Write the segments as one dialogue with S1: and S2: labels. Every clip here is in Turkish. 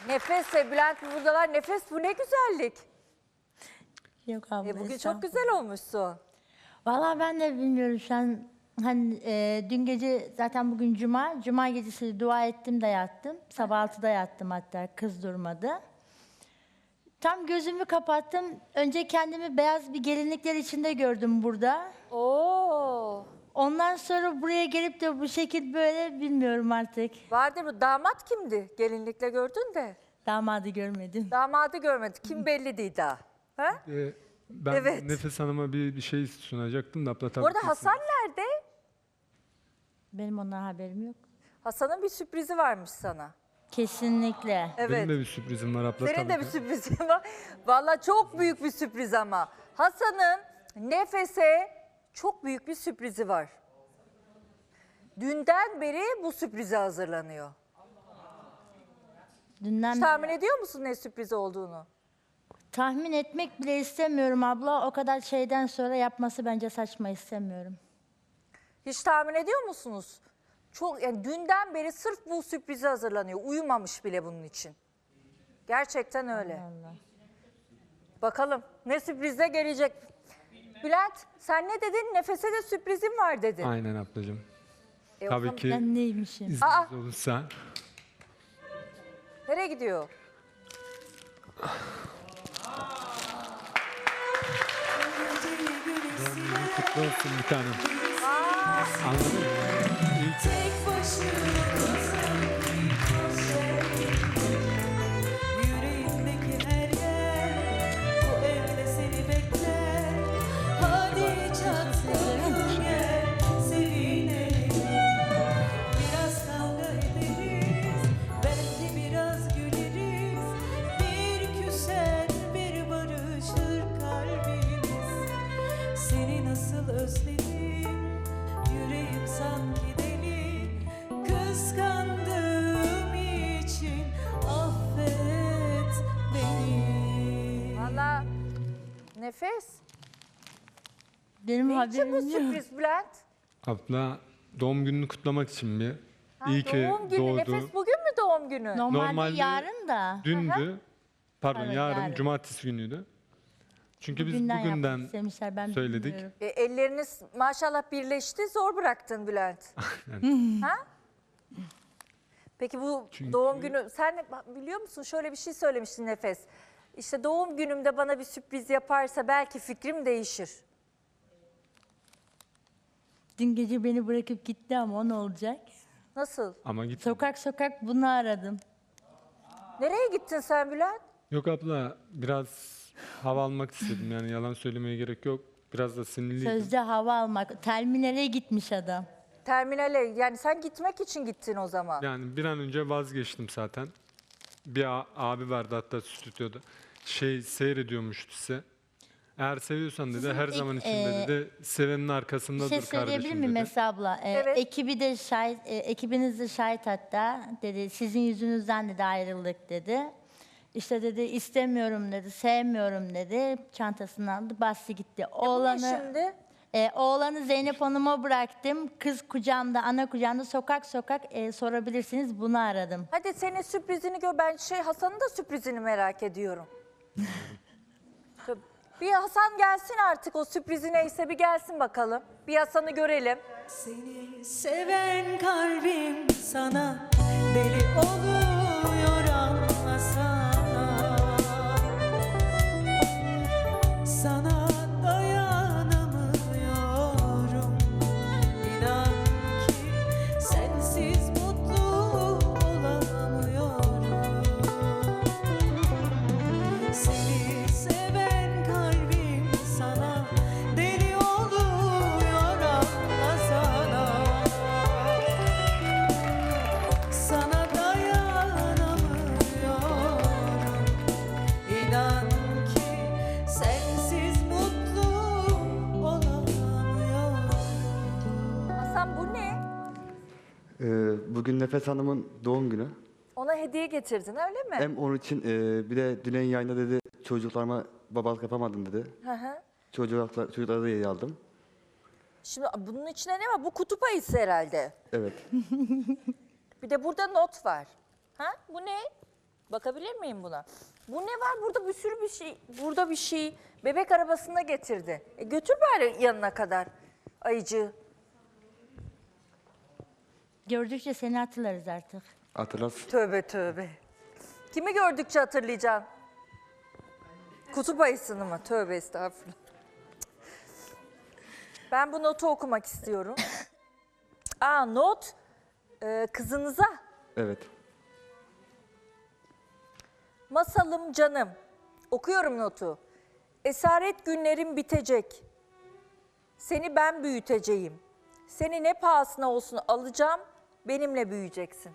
S1: Nefes ve Bülent buradalar. Nefes, bu ne güzellik.
S2: Yok abla.
S1: Bugün çok
S2: estağfurullah.
S1: güzel olmuşsun.
S2: Vallahi ben de bilmiyorum şu an. Hani dün gece zaten bugün cuma. Cuma gecesi dua ettim de yattım. Sabah 6'da yattım hatta, kız durmadı. Tam gözümü kapattım. Önce kendimi beyaz bir gelinlikler içinde gördüm burada.
S1: Oo.
S2: Ondan sonra buraya gelip de bu şekil böyle bilmiyorum artık.
S1: Vardır bu. Damat kimdi? Gelinlikle gördün de.
S2: Damadı görmedim.
S1: Damadı görmedik. Kim belli değil daha. Ha?
S3: Ben
S1: Evet.
S3: Nefes Hanım'a bir şey sunacaktım da abla tabii
S1: Bu arada
S3: kesin.
S1: Hasan nerede?
S2: Benim ondan haberim yok.
S1: Hasan'ın bir sürprizi varmış sana.
S2: Kesinlikle.
S1: Evet.
S3: Benim de bir sürprizim var abla
S1: Senin
S3: tabii
S1: de bir
S3: ki.
S1: sürprizin var. Vallahi çok büyük bir sürpriz ama. Hasan'ın Nefes'e çok büyük bir sürprizi var. Dünden beri bu sürprize hazırlanıyor.
S2: Dünden
S1: Hiç tahmin ediyor musun ne sürpriz olduğunu?
S2: tahmin etmek bile istemiyorum abla. O kadar şeyden sonra yapması bence saçma, istemiyorum.
S1: Hiç tahmin ediyor musunuz? Çok, yani dünden beri sırf bu sürprize hazırlanıyor. Uyumamış bile bunun için. Gerçekten öyle.
S2: Allah.
S1: Bakalım ne sürprizle gelecek. Bülent, sen ne dedin? Nefese de sürprizim var dedin.
S3: Aynen ablacığım.
S1: O
S3: Tabii
S1: zaman
S3: ki
S2: Ben neymişim?
S3: izniniz olursa.
S1: Nereye gidiyor?
S3: Doğum kutlu olsun bir tanem. Anladın mı? İlk
S4: Yüreğimdeki her yer bu evde seni bekler. Hadi çatalım gel sevinelim. Biraz kavga ederiz, belki biraz güleriz. Bir küser bir barışır kalbimiz. Seni nasıl özledim, yüreğim sanki deli. Kıskandığım için affet beni.
S1: Valla Nefes.
S2: Benim
S1: Ne için bu
S2: haberim yok.
S1: sürpriz Bülent?
S3: abla doğum gününü kutlamak için bir. İyi ki
S1: Doğum günü.
S3: doğdu.
S1: Nefes bugün mü doğum günü?
S2: Normalde yarın da.
S3: Dündü. Pardon
S2: Evet,
S3: yarın
S2: yarın.
S3: cumartesi günüydü. Çünkü biz
S2: Bugünden yapmak
S3: bugünden
S2: istemişler, ben
S3: söyledik.
S2: bilmiyorum.
S1: Elleriniz maşallah birleşti. Zor bıraktın Bülent. Ha? Peki bu
S3: Çünkü-
S1: doğum günü, sen biliyor musun şöyle bir şey söylemiştin Nefes. İşte doğum günümde bana bir sürpriz yaparsa belki fikrim değişir.
S2: Dün gece beni bırakıp gitti ama o ne olacak?
S1: Nasıl?
S3: Ama git.
S2: Sokak sokak bunu aradım.
S1: Nereye gittin sen Bülent?
S3: Yok abla biraz hava almak istedim yani yalan söylemeye gerek yok. Biraz da sinirliydim.
S2: Sözde hava almak. Terminale gitmiş adam.
S1: Terminale, yani sen gitmek için gittin o zaman.
S3: Yani bir an önce vazgeçtim zaten. Bir abi vardı hatta stüdyoda. Seyrediyormuştu size. Eğer seviyorsan dedi
S2: Sizin
S3: her zaman içinde dedi sevenin arkasında
S2: Bir şey
S3: dur
S2: söyleyebilir
S3: kardeşim
S2: miyim
S3: dedi.
S2: Esra abla?
S1: Evet.
S2: Ekibi de şahit, ekibiniz de şahit hatta. Dedi sizin yüzünüzden dedi ayrıldık dedi. İşte dedi istemiyorum dedi, sevmiyorum dedi. Çantasını aldı, bastı gitti.
S1: Bu ne şimdi?
S2: Oğlanı Zeynep Hanım'a bıraktım. Kız kucağımda, ana kucağımda sokak sokak sorabilirsiniz. Bunu aradım.
S1: Hadi senin sürprizini gör. Ben Hasan'ın da sürprizini merak ediyorum. Bir Hasan gelsin artık, o sürprizi neyse bir gelsin bakalım. Bir Hasan'ı görelim.
S4: Seni seven kalbim sana deli oluyor, anlasana. Sana dayanamıyorum. İnan ki sensiz mutlu olamıyorum. Seni seven kalbim sana deli oluyor, anlasana. Sana dayanamıyorum. İnan ki sensiz mutlu olamıyorum.
S1: Hasan, bu ne?
S5: Bugün Nefes Hanım'ın doğum günü.
S1: Ona hediye getirdin öyle mi?
S5: Hem onun için bir de Dilen yayında dedi çocuklarıma babalık yapamadım dedi.
S1: Hı hı.
S5: Çocuklara da hediye aldım.
S1: Şimdi bunun içinde ne var? Bu kutup ayısı herhalde.
S5: Evet.
S1: Bir de burada not var. Ha? Bu ne? Bakabilir miyim buna? Bu ne var? Burada bir sürü bir şey. Burada bir şey. Bebek arabasında getirdi. Götür bari yanına kadar ayıcığı.
S2: Gördükçe seni hatırlarız artık.
S5: Hatırlarsın.
S1: Tövbe tövbe. Kimi gördükçe hatırlayacaksın? Kutup ayısını mı? Tövbe estağfurullah. Ben bu notu okumak istiyorum. Not kızınıza.
S5: Evet.
S1: Masalım canım. Okuyorum notu. Esaret günlerim bitecek. Seni ben büyüteceğim. Seni ne pahasına olsun alacağım, benimle büyüyeceksin.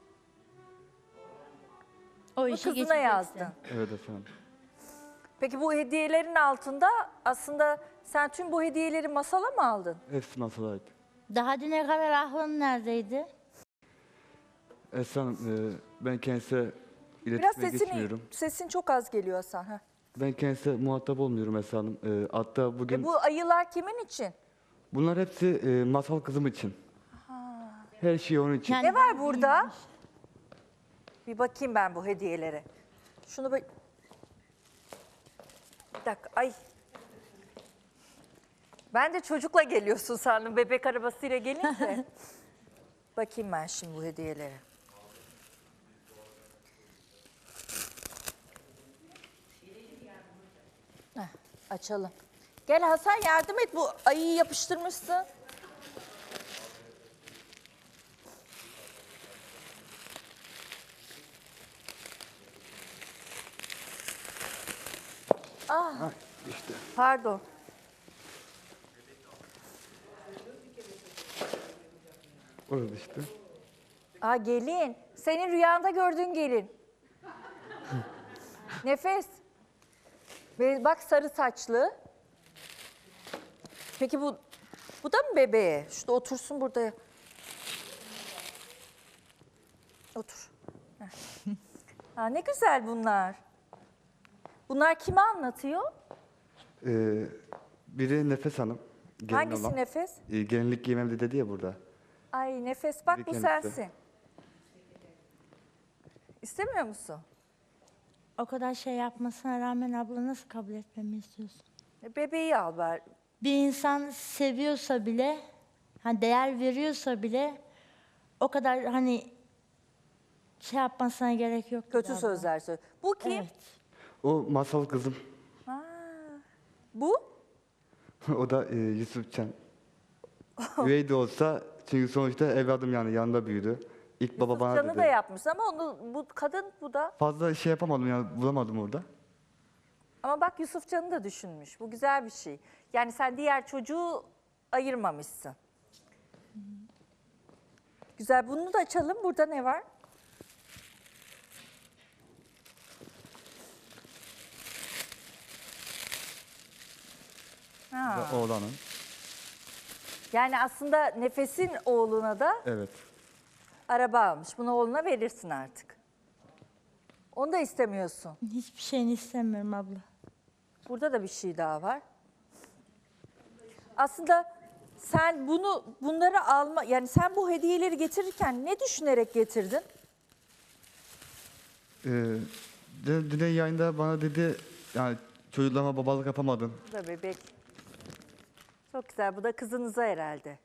S2: O
S1: Bu
S2: işi
S1: kızına
S2: geçeceksin.
S1: yazdın.
S5: Evet efendim.
S1: Peki bu hediyelerin altında aslında sen tüm bu hediyeleri masala mı aldın?
S5: Hepsi masala ait.
S2: Daha düne kadar aklın neredeydi?
S5: Esra Hanım, ben kendisiyle
S1: Biraz
S5: iletişime geçmiyorum.
S1: sesin çok az geliyor Hasan. Heh.
S5: Ben kendisiyle muhatap olmuyorum Esra Hanım. Hatta bugün
S1: Bu ayılar kimin için?
S5: bunlar hepsi masal kızım için. Her şey onun için.
S2: Yani
S1: Ne var burada? Bir bakayım ben bu hediyelere. Şunu bir dakika. Ay. Ben de çocukla geliyorsun sandım. Bebek arabasıyla gelince. Bakayım ben şimdi bu hediyelere. Heh, açalım. Gel Hasan yardım et. Bu ayıyı yapıştırmışsın.
S5: İşte.
S1: Pardon.
S5: Orada işte.
S1: Gelin. Senin rüyanda gördüğün gelin. Nefes. Bak sarı saçlı. Peki bu da mı bebeğe? Şurada otursun burada. Otur. Heh. Ne güzel bunlar. Bunlar kime anlatıyor?
S5: Biri Nefes Hanım. Gelin
S1: Hangisi
S5: olan.
S1: Nefes?
S5: Gelinlik giymem de dedi ya burada.
S1: Ay Nefes bak
S5: Biri
S1: bu
S5: kendisi.
S1: sensin. İstemiyor musun?
S2: o kadar şey yapmasına rağmen abla nasıl kabul etmemi istiyorsun?
S1: Bebeği al bari.
S2: Bir insan seviyorsa bile, hani değer veriyorsa bile o kadar hani şey yapmasına gerek yok.
S1: Kötü
S2: abla.
S1: sözler söyle. Bu kim?
S2: Evet.
S5: O masal kızım.
S1: Bu?
S5: O da Yusufcan. Üvey de olsa çünkü sonuçta evladım yani yanında büyüdü. İlk baba bana
S1: Canı
S5: dedi.
S1: da yapmış ama bu kadın bu da.
S5: Fazla şey yapamadım yani bulamadım orada.
S1: Ama bak Yusuf Can'ı da düşünmüş. Bu güzel bir şey. Yani sen diğer çocuğu ayırmamışsın. Güzel. Bunu da açalım. Burada ne var?
S5: Ve oğlanın.
S1: Yani aslında Nefes'in oğluna da
S5: Evet.
S1: araba almış. Bunu oğluna verirsin artık. Onu da istemiyorsun.
S2: Hiçbir şeyini istemiyorum abla.
S1: Burada da bir şey daha var. Aslında sen bunları alma, yani sen bu hediyeleri getirirken ne düşünerek getirdin?
S5: Dün yayında bana dedi yani çocuklarıma babalık yapamadın.
S1: Bu da bebek. Çok güzel. Bu da kızınıza herhalde.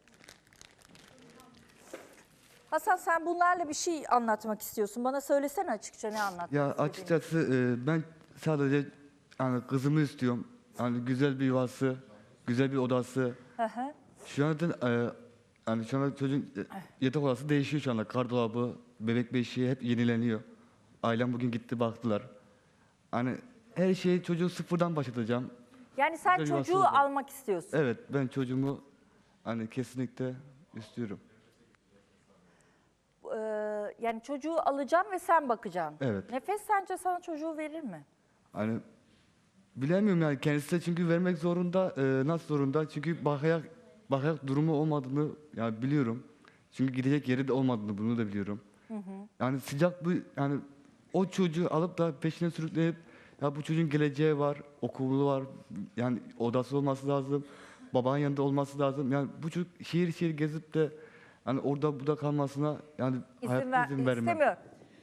S1: Hasan sen bunlarla bir şey anlatmak istiyorsun. Bana söylesene açıkça ne anlatmak
S5: Ya
S1: istediğini.
S5: açıkçası ben sadece yani kızımı istiyorum. Yani güzel bir yuvası, güzel bir odası.
S1: Hı hı.
S5: Şu anda yani şu anda çocuğun yatak odası değişiyor şu anda. Gardırobı, bebek beşiği hep yenileniyor. Ailem bugün gitti baktılar. Hani her şeyi çocuğu sıfırdan başlatacağım.
S1: Yani sen
S5: Güzel yuvası
S1: çocuğu
S5: olacak.
S1: almak istiyorsun.
S5: Evet ben çocuğumu hani kesinlikle istiyorum.
S1: Yani çocuğu alacağım ve sen bakacaksın.
S5: Evet.
S1: Nefes sence sana çocuğu verir mi?
S5: Hani bilemiyorum yani kendisi de çünkü vermek zorunda. Nasıl zorunda? Çünkü bakayak durumu olmadığını yani biliyorum. Çünkü gidecek yeri de olmadığını bunu da biliyorum. Yani sıcak bir yani o çocuğu alıp da peşine sürükleyip ya bu çocuğun geleceği var, okulu var, yani odası olması lazım, babanın yanında olması lazım. Yani bu çocuk şehir şehir gezip de yani orada burada kalmasına yani hayatta izin vermem.
S1: İstemiyor.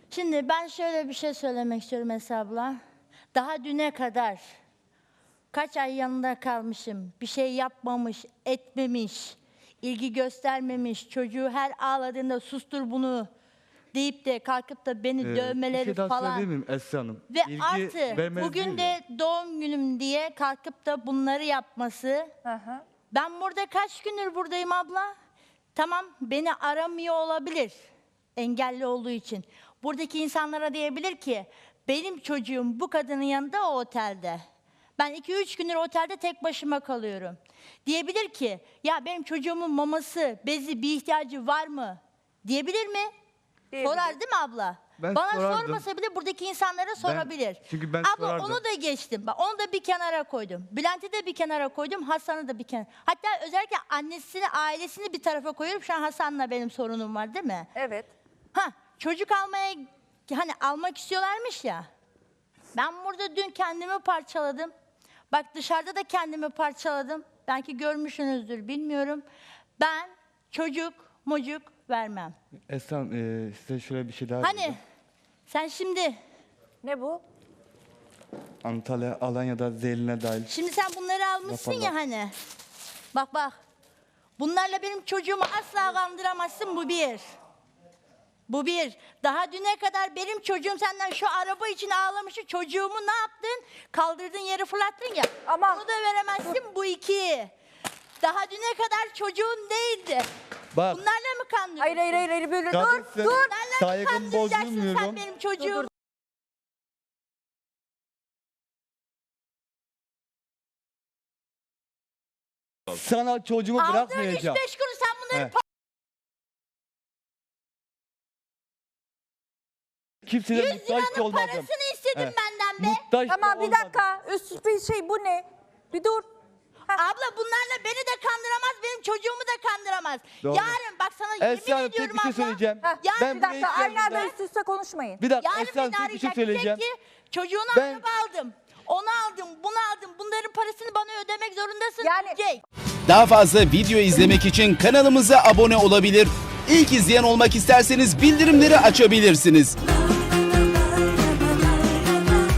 S2: Şimdi ben şöyle bir şey söylemek istiyorum Esra abla. Daha düne kadar kaç ay yanında kalmışım. Bir şey yapmamış, etmemiş, ilgi göstermemiş. Çocuğu her ağladığında sustur bunu deyip de kalkıp da beni
S5: Bir
S2: dövmeleri
S5: şey daha
S2: falan.
S5: söyleyebilir miyim Esra Hanım?
S2: Ve
S5: İlgi
S2: artı
S5: vermez
S2: bugün
S5: değil
S2: de
S5: ya.
S2: doğum günüm diye kalkıp da bunları yapması.
S1: Hı hı.
S2: Ben burada kaç gündür buradayım abla? Tamam, beni aramıyor olabilir engelli olduğu için. Buradaki insanlara diyebilir ki benim çocuğum bu kadının yanında o otelde. Ben 2-3 gündür otelde tek başıma kalıyorum. Diyebilir ki ya benim çocuğumun maması, bezi bir ihtiyacı var mı? Diyebilir mi?
S1: Diyebilir.
S2: Sorar değil mi abla?
S5: Ben
S2: Bana
S5: sorardım.
S2: sormasa bile buradaki insanlara sorabilir.
S5: çünkü ben
S2: abla
S5: sorardım.
S2: onu da geçtim. Bak onu da bir kenara koydum. Bülent'i de bir kenara koydum. Hasan'ı da bir kenara. Hatta özellikle annesini, ailesini bir tarafa koyuyorum. Şu an Hasan'la benim sorunum var değil mi?
S1: Evet.
S2: Çocuk almaya hani almak istiyorlarmış ya. Ben burada dün kendimi parçaladım. Bak dışarıda da kendimi parçaladım. Belki görmüşsünüzdür bilmiyorum. Ben çocuk vermem.
S5: Esra Hanım, size şöyle bir şey daha
S2: Hani
S5: diyeceğim.
S2: sen şimdi
S1: Ne bu?
S5: Antalya, Alanya'da Zeylin'e dahil.
S2: Şimdi sen bunları almışsın ya
S5: Yaparlar.
S2: hani. Bak. Bunlarla benim çocuğumu asla kandıramazsın, bu bir. Bu bir. Daha düne kadar benim çocuğum senden şu araba için ağlamıştı. Çocuğumu ne yaptın? Kaldırdın yere fırlattın ya.
S1: Ama-
S2: Bunu da veremezsin, bu iki. Daha düne kadar çocuğun değildi.
S5: Bak,
S2: Bunlarla mı kandırdın?
S1: Hayır böyle
S5: Kadınsın,
S1: dur.
S2: Bunlarla mı
S5: saygımı
S2: kandıracaksın sen
S5: bozulmuyorum.
S2: benim çocuğumu?
S5: Sana çocuğumu
S2: Aldığın
S5: bırakmayacağım.
S2: 3-5 kuruş sen bunları
S5: He. Kimseye
S2: 100
S5: muhtaç
S2: liranın
S5: olmadım.
S2: parasını istedin
S5: Evet.
S2: benden be.
S5: Muhtaç da
S1: Tamam bir
S5: olmadım.
S1: dakika. Üst bir şey bu ne? Bir dur.
S2: Abla bunlarla beni de kandıramaz, benim çocuğumu da kandıramaz.
S5: Doğru.
S2: Yarın bak sana yemin
S5: Esra Hanım,
S2: ediyorum
S5: tek bir şey
S2: abla.
S5: söyleyeceğim.
S1: Heh,
S2: Yarın
S5: Ben
S1: bir
S5: buraya
S1: dakika aynı anda
S5: geldiğimde-
S1: üst üste konuşmayın.
S5: Bir dakika
S2: Yarın
S5: Esra Hanım,
S2: beni
S5: tek bir şey
S2: arayacak.
S5: söyleyeceğim.
S2: Diyecek ki çocuğuna
S5: Ben-
S2: araba aldım. Onu aldım, bunu aldım. Bunların parasını bana ödemek zorundasın
S1: Yani-
S2: diyecek.
S6: Daha fazla video izlemek için kanalımıza abone olabilir. İlk izleyen olmak isterseniz bildirimleri açabilirsiniz.